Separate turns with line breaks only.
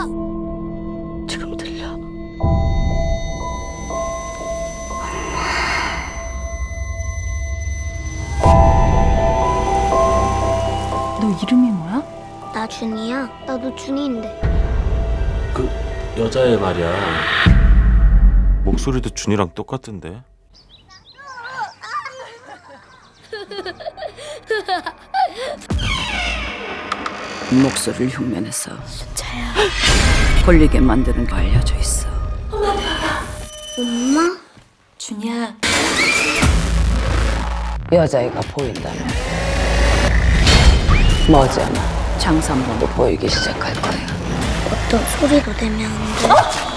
지금 들려?
너 이름이 뭐야?
나 준이야. 나도 준이인데.
그 여자애 말이야. 목소리도 준이랑 똑같은데.
목소리를 흉내내서 걸리게 만드는 거 알려져 있어.
엄마?
준이야.
여자애가 보인다면 머지않아 장산범도 보이기 시작할 거야.
어떤 소리도 내면 안 돼.